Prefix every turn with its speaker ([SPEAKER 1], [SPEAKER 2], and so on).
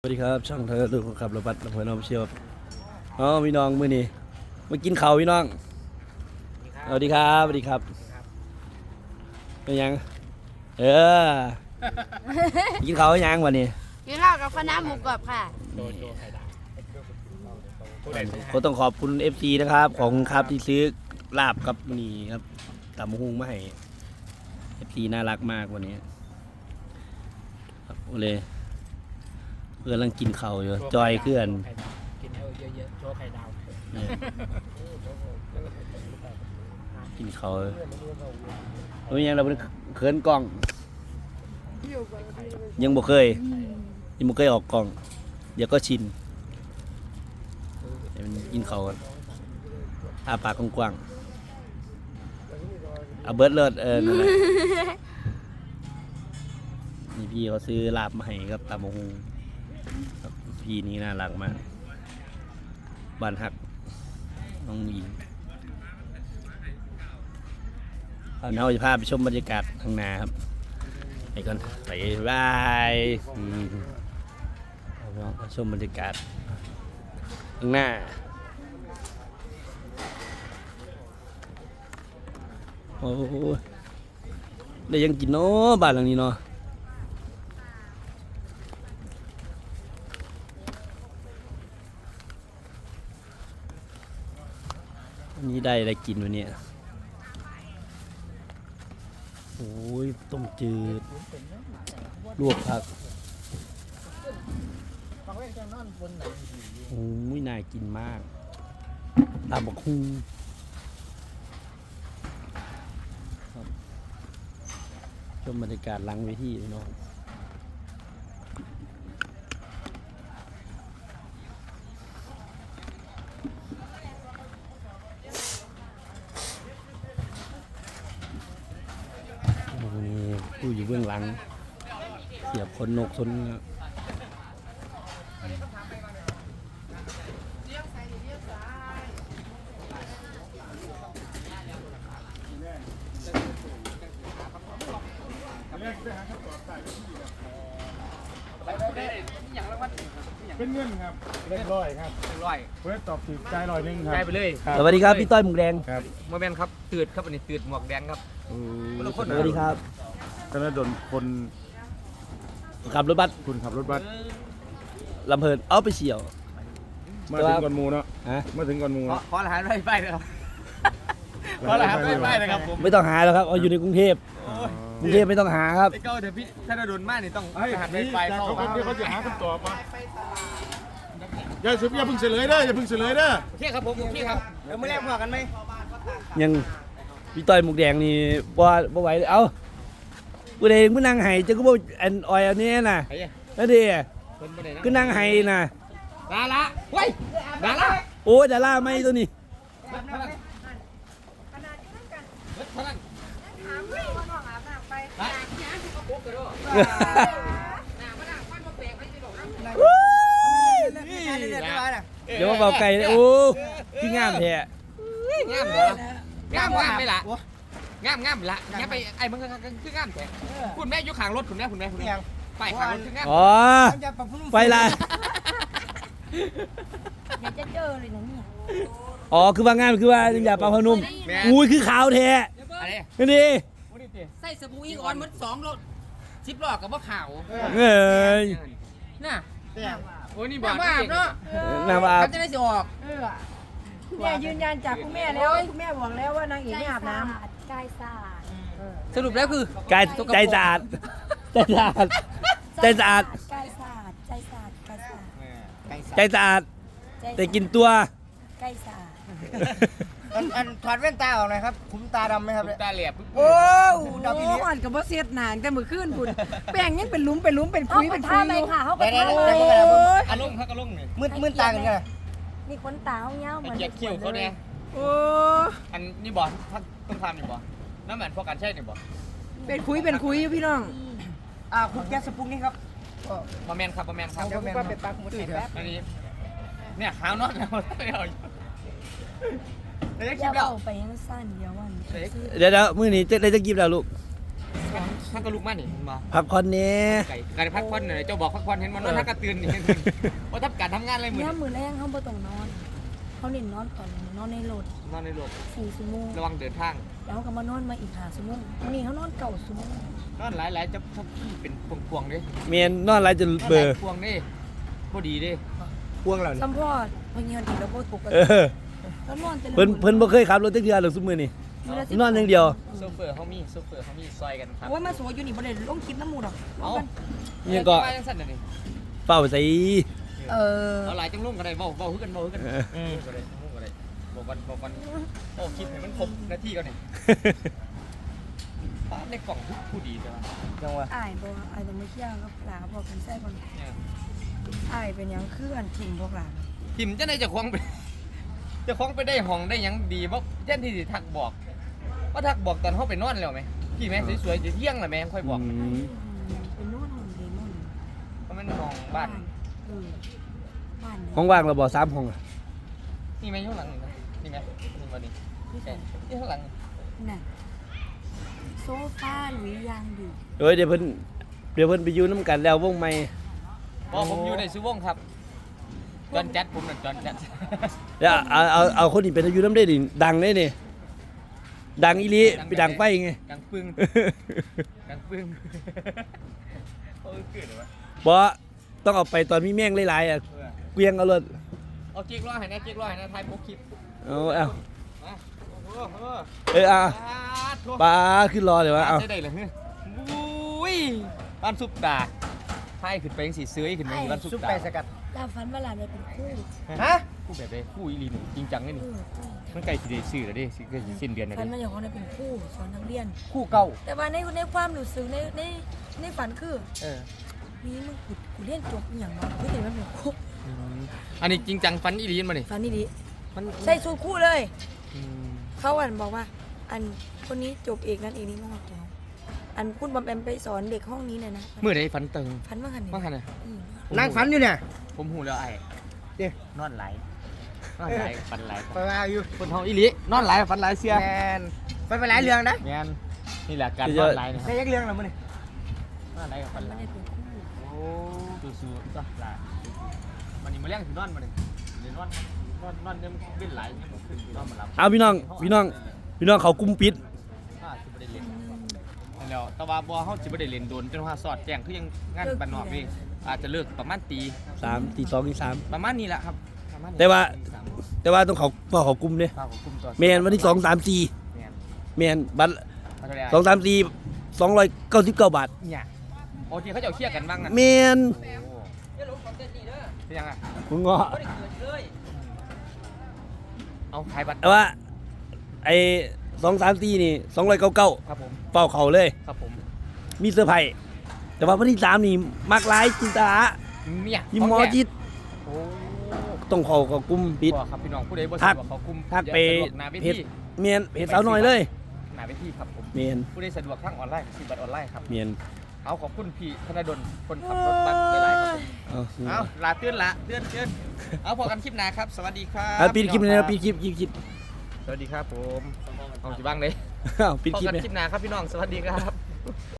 [SPEAKER 1] สวัสดีครับช่องเธอดูขับรถบัสลำเพลินน้องเชียวพี่น้องมื้อนี้มากินข้าวพี่น้องสวัสดีครับสวัสดีครับเป็นยังกินข้าวยังวันนี้
[SPEAKER 2] กินข้าวกับคณะหมูกรอบค่ะ
[SPEAKER 1] ก็ต้องขอบคุณ FC นะครับของครับที่ซื้อลาบกับนี่ครับตำมะฮุ่งมาให้ FC น่ารักมากวันนี้ครับโอเลยเพื่อนกำลังกินข้าวอยู่จอยเพื่อน
[SPEAKER 3] กินเยอะๆโชว์ไข่ดาว
[SPEAKER 1] กินข้าวเป็นยังเราเป็นเขินกล้องยังบ่เคยออกกล้องเดี๋ยวก็ชินกินข้าวอาปากกว้างๆเอาเบิร์ดเลิศนั่นแหละนี่พี่เขาซื้อลาบมาให้ครับตำมะฮุ่งพี่นี่น่ารักมากบ้านฮักน้องหญิงเราจะพาไปชมบรรยากาศข้างหน้าครับไปก่อนไปบายเราชมบรรยากาศข้างหน้าโอ้ได้ยังกินเนาะบ้านหลังนี้เนาะนี่ได้อะไรกินวันนี้โอ้ยต้มจืดลวกผักโอ้ยน่ากินมากตำบักหุ่งชมบรรยากาศหลังเวทีพี่น้องผู้อยู่เบื้องหลังเสียบขนนกชน
[SPEAKER 3] เป็นเงินครับเรียบร้อยครับเพื่อตอบถูกใจ100นึงครับ
[SPEAKER 4] ได้ไปเลย
[SPEAKER 1] สวัสดีครับพี่ต้อยหมูแดง
[SPEAKER 3] ครับ
[SPEAKER 4] โมเมนต์ครับตืดครับอันนี้ตืดหมวกแดงครับ
[SPEAKER 1] สวัสดีครับ
[SPEAKER 3] ธนดลคน
[SPEAKER 1] ขับรถบัส
[SPEAKER 3] คุณขับรถบัส
[SPEAKER 1] ลำเพลินเอาไปเฉี่ยว
[SPEAKER 3] มาถึงก่อนหมูเนาะ
[SPEAKER 1] ฮะ
[SPEAKER 3] มาถึงก่อนหมู
[SPEAKER 4] ขอรหัสไฟนะครับขอรหัสไฟนะครับผม
[SPEAKER 1] ไม่ต้องหาแล้วครับเอาอยู่ในกรุงเทพกรุงเทพไม่ต้องหาครับ
[SPEAKER 4] ไอ้เก้าเดี๋ยวพี่ธนดลมากนี่ต้องรหัสไฟเข้า
[SPEAKER 3] เขาจะหาคำตอบมาอย่าเพิ่งเฉลยเด้ออย่าเพิ่งเฉลยเด้อ
[SPEAKER 4] โอเคครับผมโอเคครับเดี๋ยวไม่แลกหัวกันไหม
[SPEAKER 1] ยังพี่ต้อยหมูแดงนี่บ่ไหวเลยเอ้ากูเองกูนั่งไห้จะกูบอกอันออยอันนี้น่ะแล้วดิกูนั่งไห้น่ะ
[SPEAKER 4] ดาราเฮ้ยดารา
[SPEAKER 1] โอ้ยดาราไม่ตัวนี้เดี๋ยวมาเบาไก่เลยโอ้พี่งามแท้
[SPEAKER 4] งามเหรองามไปละงามละงามไปไอ้มึงคืองามแท้คุณแม่อยู่ข้างรถคุณแม่ไปข้างรถคืองาม
[SPEAKER 1] อ๋อไปละ
[SPEAKER 2] อยากจะเจอเลยนะเนี่ย
[SPEAKER 1] อ๋อคือว่างามคือว่าอย่าปลาพนุ่มอุ้ยคือขาวแท้
[SPEAKER 4] อะไร
[SPEAKER 1] นี่ดิ
[SPEAKER 4] ใส่สบู่อีกออนมัน2 รถ10 รอบกับว่าขาว
[SPEAKER 1] เอ้ย
[SPEAKER 4] น่ะโอ้ยนี่บอกน้ำอาบเนาะ
[SPEAKER 1] น้ำอาบ
[SPEAKER 4] จะได้สิออก
[SPEAKER 5] เนี่ยยืนยันจากคุณแม่แล้วคุณแม่บอกแล้วว่านางเอกไม่อาบน้ำ
[SPEAKER 2] กายสะอาด
[SPEAKER 4] สรุปแล้วคือก
[SPEAKER 1] ายใจสะอาดใจสะอาดใจสะอาด
[SPEAKER 2] กายสะอาดใจสะอาดกายสะอาด
[SPEAKER 1] ใจสะอาดแต่กินตัว
[SPEAKER 2] กายสะอาด
[SPEAKER 6] อันถอดแว่นตาออกหน่อยครับคุ้มตาดำไหมครับเนี่ย
[SPEAKER 4] ตาเหลียบ
[SPEAKER 6] โอ้
[SPEAKER 5] ดำอีหลีอ่อนกับว่าเสียดหนางแต่มือขึ้นคุณแป้งยังเป็นหลุมเป็นคุยเป็นคุย
[SPEAKER 2] เลยค่ะเขา
[SPEAKER 6] เดี๋
[SPEAKER 2] ก็
[SPEAKER 6] ยว
[SPEAKER 2] ทำเลย
[SPEAKER 4] อารมณ์เขาก็ลงเนี่ย
[SPEAKER 6] มืดตากันไง
[SPEAKER 2] มีขนตาเงาเหมือน
[SPEAKER 4] เกียดคิ้วเขาเนี่ย
[SPEAKER 5] โอ้
[SPEAKER 4] อันนี่บอกต้องทำนี่บอกน้ำเหมือนพวกกันใช่นี่บอก
[SPEAKER 5] เป็นคุยพี่น้อง
[SPEAKER 6] คุณแก๊สสปุกนี่ครับ
[SPEAKER 4] มาแมนครับ
[SPEAKER 6] เดี๋ยวผมก็เป็นปลาคุณตื่นครับ
[SPEAKER 4] อันนี้เนี่ยขาวนอนแล้วเดี๋ยวคลิ
[SPEAKER 2] อย่า
[SPEAKER 4] ปแล้ว
[SPEAKER 2] เอาไปยังสั้นเดี๋ยววัน
[SPEAKER 1] เดี๋ยวมื้อนี้จะได้จะกินแล้วลูก
[SPEAKER 4] ท่านก็ลุกมานี่มา
[SPEAKER 1] พักผ่อนเนี่ย
[SPEAKER 4] ไก่การพักผ่อนเนี่ยเจ้าบอกพักผ่อนเห็นมันนอนท่านก็ตื่นนี่ว่าทำการทำงานอะไรเหมือน
[SPEAKER 2] เนี่ยมือแรงเขาบ่ต้องนอนเขาเน้นนอนก่อนนอนในรถ
[SPEAKER 4] นอนในรถ
[SPEAKER 2] 4 ชั่วโมง
[SPEAKER 4] ระวังเดินทาง
[SPEAKER 2] แล้วเขาก็มานอนมาอีก5 ชั่วโมงวันนี้เขานอน9 ชั่วโมง
[SPEAKER 4] นอนหลายๆจะเป็นพวงๆเด้
[SPEAKER 1] เมียนนอนไรจนเบอร์
[SPEAKER 4] พวงเด้พอดีเด้
[SPEAKER 6] พวงเราเนี่ย
[SPEAKER 2] สัมพอดพอเงียบดีแล้วบ่ถูกกัน
[SPEAKER 1] เออ
[SPEAKER 2] แล้วนอนแต่ละ
[SPEAKER 1] เพิ่นบ่เคยขับรถจักเทื่อหรอกซุมื้อนี่นอนอย่างเดียว
[SPEAKER 4] โซเฟอร์เขามีซอยกันครับ
[SPEAKER 2] โอ้ยมาสวยอยู่นี่บ่ได้ลงคลิปน้ำมูดหรอก
[SPEAKER 4] เอา
[SPEAKER 1] เนี่ยก็
[SPEAKER 4] ไปจังสั่นนี่
[SPEAKER 1] เฝ้าใส่
[SPEAKER 2] เออ
[SPEAKER 4] เอาหลายจังลุ่มกันได้เว้าฮึกัน
[SPEAKER 1] เออ
[SPEAKER 4] ก็ได้บอกกันโอ้คิดให้มันครบนาทีก่อนนี่ป้าในกล่องผู้ดีใช่ไหม
[SPEAKER 6] จังหวะ
[SPEAKER 2] อ้ายบ่อ้ายต้องมาเที่ยวกับหลานเขาบอกกันใส่ก่อน
[SPEAKER 4] เนี่ย
[SPEAKER 2] อ้ายเป็นหยังคืออันทิ้งพวกหลาน
[SPEAKER 4] ทิมจะได้จะคล้องไปจะคล้องไปได้ห้องได้หยังดีบ่เช่นที่สิทักบอกว่าทักบอกตอนเขาไปนอนแล้วไหมพี่แม่สวยๆจะเที่ยงแล้วแม่ค่อยบอก
[SPEAKER 2] เป็นนู่นห้องเดมอน
[SPEAKER 4] เพราะมันห้องบ้าน
[SPEAKER 2] เออบ้าน
[SPEAKER 1] ห้องว่างเราบ่3ห้องอะ
[SPEAKER 4] นี่ไหมข้างหลังนี่ไหมนี่มาดินี่ข้างหลัง
[SPEAKER 2] น่ะโซฟาหรือยางดี
[SPEAKER 1] เอ้ยเดี๋ยวเพิ่นไปอยู่นํกันแล้ววงใหม่
[SPEAKER 4] บอกผมอยู่ในซูวงครับจอนแจ๊ดผมน่ะจอนแจ๊ด
[SPEAKER 1] เดี๋ยวเอาคนนี้เป็นอยู่นํได้ดิดังได้นี่ดังอีหลีไปดังไฟไง
[SPEAKER 4] กังปึ้งกังปึ้งโอ้ยเกิดเลยวะ
[SPEAKER 1] บ่ต้องเอาไปตอนมีแม่งหลายๆอ่ะเกวียงเอารถ
[SPEAKER 4] เอาเก๊กร้อยให้นะเก๊กร้อยให้นะทายพกคลิป
[SPEAKER 1] เอา
[SPEAKER 4] มาโอ้โห
[SPEAKER 1] อ่ะ
[SPEAKER 4] โทษ
[SPEAKER 1] ปลาขึ้นรอเดี๋ยวเอา
[SPEAKER 4] ใช่ได้เลยเฮ้ยอุ้ยบ้านซุปตาไพ่ขึ้นไปยังสีเสื้อขึ้นไปบ้านซุป
[SPEAKER 6] ซุป
[SPEAKER 4] ตา
[SPEAKER 6] ไก่สกัด
[SPEAKER 2] ลาฟันว่าหลานได้เป็นคู่
[SPEAKER 6] ฮะ
[SPEAKER 4] คู่แบบเลยคู่อีลีนจริงจังเลย
[SPEAKER 2] เอ
[SPEAKER 4] นี่
[SPEAKER 2] อคู่
[SPEAKER 4] มันใกล้สิได้ซื้อแล้วดิสิใกล้สิสิ้นเดือนแล้ว
[SPEAKER 2] ฟัน
[SPEAKER 4] ดิ
[SPEAKER 2] มาอย่างเขาได้เป็นคู่สอนนักเรียน
[SPEAKER 6] คู่เก่า
[SPEAKER 2] แต่ว่าในความรู้สึกในฝันคือ
[SPEAKER 4] เออ
[SPEAKER 2] นี่มึงกูเรียนจบอหย่างเนาะกูเห็นมันเป็นคู่
[SPEAKER 4] อันนี้จริงจังฟันอีลีนมาดิ
[SPEAKER 2] ฝันนี่ดี
[SPEAKER 4] มัน
[SPEAKER 2] ใส่สูทคู่เลย
[SPEAKER 4] อืม
[SPEAKER 2] เขาอันบอกว่า อันคนนี้จบเอกนั้นเอกนี้มากแล้วอันคุณบอมแอมไปสอนเด็กห้องนี้เลยนะ
[SPEAKER 4] เมื่อใดฟันเติง
[SPEAKER 2] ฝันว่าหัน
[SPEAKER 4] ว่าหันน่ะ
[SPEAKER 6] นั่งฝันอยู่เนี่ย
[SPEAKER 4] ผมหูแล้วไอ้
[SPEAKER 6] เดี๋ย
[SPEAKER 4] นอนไหลนอนไหลฟันไหล
[SPEAKER 6] ไปมาอยู่
[SPEAKER 4] คนท้องอีลีนอนไหลฟันไหลเสีย
[SPEAKER 6] แมนไปหลายเรื่องนะ
[SPEAKER 4] แมนนี่แหละการนอนไหลนะค
[SPEAKER 6] ได้
[SPEAKER 4] รับ
[SPEAKER 6] ยักเรื่องแล้วมั้งนี่
[SPEAKER 4] นอนไหลกับฟันไหล
[SPEAKER 2] ไม่ได้เป็นคู่
[SPEAKER 4] โอ้สู้ๆจ้ะล่ะมันนี่มาเลี้ยงถึงนอนมาเลยเดี๋ยวนอนเนี่ยมันเป็นไหลเนี่ยมันขึ้นนอนมาหลับ
[SPEAKER 1] เอาพี่น้องเขากุมปิด
[SPEAKER 4] สิบ่ได้เล่นแล้วแต่ว่าบ่เฮาสิบ่ได้เล่นโดนจนว่าสอดแจ้งคือยังงานบ้านนอกนี่อาจจะเลิกประมาณตี
[SPEAKER 1] 3ตี2ตี3
[SPEAKER 4] ประมาณนี้แหละครับประมาณนี้
[SPEAKER 1] แต่ว่าต้องเขากุมเด้
[SPEAKER 4] ฝากคุมตัว
[SPEAKER 1] แม่นวันที่2 3 4
[SPEAKER 4] แม่น
[SPEAKER 1] แม่นบัตร
[SPEAKER 4] เอาเท่าไหร่
[SPEAKER 1] 2 3 4 299 บาท
[SPEAKER 4] เนี่ยโอเคเขาจะเอาเคลียร์กันบ้างนะ
[SPEAKER 1] แม่น
[SPEAKER 4] เป็นยังไง
[SPEAKER 1] มึงเงาะ
[SPEAKER 4] เอาขายบัตร
[SPEAKER 1] แต่ว่าไอ้2 3 4นี่299
[SPEAKER 4] ครับผม
[SPEAKER 1] เฝ้าเขาเลย
[SPEAKER 4] ครับผม
[SPEAKER 1] มีเซอร์ไพรส์แต่ว่าวันที่3นี่มักหลายจินตา
[SPEAKER 4] เนี่ย
[SPEAKER 1] ยิมหมอจิต
[SPEAKER 4] โอ้
[SPEAKER 1] ต้องเขากุมปิด
[SPEAKER 4] ครับพี่น้องผู้ใดบ่
[SPEAKER 1] ทั
[SPEAKER 4] สะ
[SPEAKER 1] ก
[SPEAKER 4] ดวกเขาคุม
[SPEAKER 1] ทักไป
[SPEAKER 4] สะดวกหน้าเว
[SPEAKER 1] เพจ
[SPEAKER 4] ที
[SPEAKER 1] เมียนเพจสาวน้อยเลย
[SPEAKER 4] หน้าเวทีครับผม
[SPEAKER 1] เมียน
[SPEAKER 4] ผู้ใดสะดวกทางออนไลน์ซื้อบัตรออนไลน์ครับ
[SPEAKER 1] เมียน
[SPEAKER 4] เอาขอบคุณพี่ธนดลคนขับรถบัสหลายๆครับผม
[SPEAKER 1] เอา
[SPEAKER 4] เอาลาเตือนละเตือนเอาพอกันคลิปหน้าครับ สวัสดีครับ
[SPEAKER 1] เอาปิดคลิปเลยนะปิดคลิป
[SPEAKER 4] สวัสดีครับผมเอาสิบ้างเลย
[SPEAKER 1] เอาปิด
[SPEAKER 4] พอ
[SPEAKER 1] คลิป
[SPEAKER 4] กัน
[SPEAKER 1] เลย
[SPEAKER 4] คลิปหน้าครับพี่น้อง สวัสดีครับ